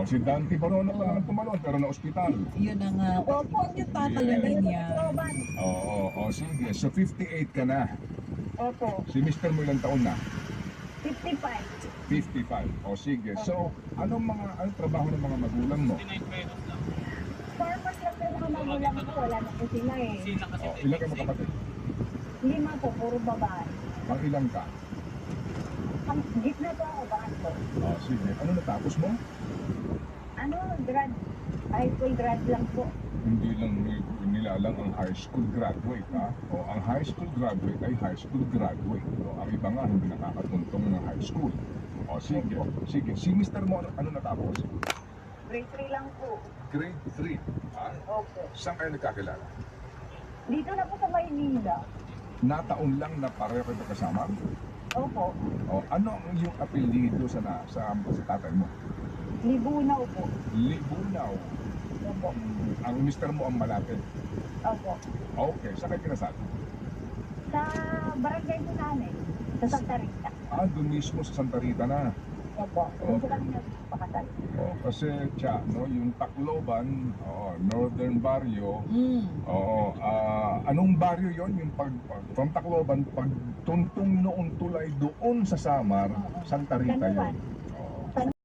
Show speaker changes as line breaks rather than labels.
Oh, si Dante Barono pa naman tumalon, pero na ospital.
Yun na nga. Huwag niyo tatalungin yan.
Oo, sige. So 58 ka na.
Opo,
Si Mr. mo ilang taon na?
55.
55. O sige. So, anong trabaho ng mga magulang mo?
Farmers lang pero mga magulang ko, wala na po sila eh.
O, ilan kayo magkapatid?
5 po, puro babae.
Ang ilang ka?
Ang gitna po ako, bakit po?
O, sige. Ano natapos mo?
Ano, high school grad lang po.
Hindi lang nilalang ang high school graduate, ha? O, ang high school graduate ay high school graduate. O, ang iba nga hindi nakakatuntong ng high school. O, sige. Sige. Si Mr. mo, ano natapos?
Grade 3 lang po.
Grade 3. Ha?
Opo.
Saan kayo nagkakilala?
Dito na po sa Maynila.
Nataon lang na pareho kayo kasama?
Opo.
O, ano ang iyong apelido sa tatay mo?
Libunaw po.
Libunaw.
Opo.
Ang mister mo ang malapit.
Opo.
Okay, saan kayo kinasal?
Sa barangay po namin, sa Santa Rita.
Doon mismo sa Santa Rita na.
Opo. Doon po kami nagpakasal.
Kasi, no, yung Tacloban, Northern Barrio, anong barrio yon? Yung from Tacloban, pag tuntong noong tulay doon sa Samar, Santa Rita
San Juan.
yon.